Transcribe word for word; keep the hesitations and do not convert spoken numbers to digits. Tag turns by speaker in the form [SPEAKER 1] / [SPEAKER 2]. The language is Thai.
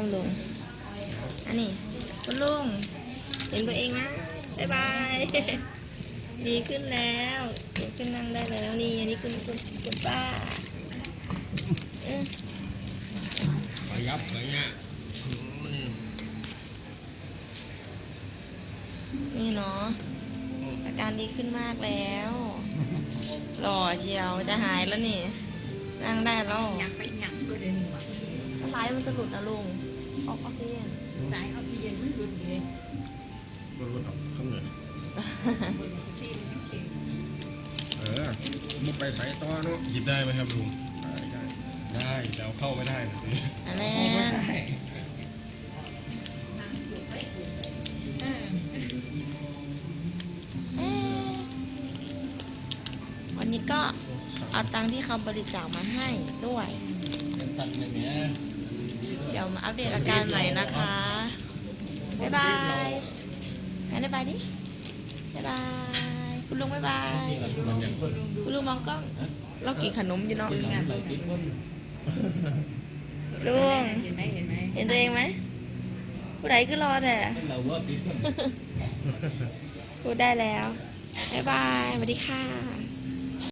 [SPEAKER 1] มลุงอันนี้คุณลุงเห็นตัวเองไหมบายบายดีขึ้นแล้วดีขึ้นนั่งได้แล้วนี่อันนี้คุณคุณคุณป้าเออ
[SPEAKER 2] ขยับขยับ
[SPEAKER 1] นี่เนาะอาการดีขึ้นมากแล้วหล่อเชียวจะหายแล้วนี่นั่งได้แล้ว
[SPEAKER 3] อยากไปหยังก็เดินมา
[SPEAKER 1] สายมันจะหลุดนะลุงออกออกซิเจน
[SPEAKER 3] สายออกซิเจนมันหยุดเลย
[SPEAKER 2] รถรถออกข้างเหนือบ
[SPEAKER 3] นสตีมันเข็ม
[SPEAKER 2] เออมุกไปใส่ต่อเนาะ
[SPEAKER 4] หยิบได้ไหมครับลุง
[SPEAKER 2] ได้ได้
[SPEAKER 4] ได้แต่เอาเข้าไม่ได้นะสิ
[SPEAKER 1] อันนี้
[SPEAKER 3] เออ
[SPEAKER 1] เอ๊ะวันนี้ก็เอาตังค์ที่เขาบริจาคมาให้ด้วย
[SPEAKER 4] เป็นตัดเลยเนี้ย
[SPEAKER 1] เดี๋ยวมาอัปเดตอาการใหม่นะคะ บ๊ายบายงั้นบ๊ายบายดิ บ๊ายบาย คุณลุงบ๊ายบาย
[SPEAKER 4] มันยังคน
[SPEAKER 1] คุณลุงมองกล้อง เรากินขนมอยู่เนาะ
[SPEAKER 4] กินน้ำไปกินคน
[SPEAKER 1] ลุง
[SPEAKER 3] เห็นไหมเห็นไหม
[SPEAKER 1] เห็นตัวเองไหม ผู้ใดก็รอแต่
[SPEAKER 4] เราว่ากินคน
[SPEAKER 1] พูดได้แล้ว บ๊ายบาย สวัสดีค่ะ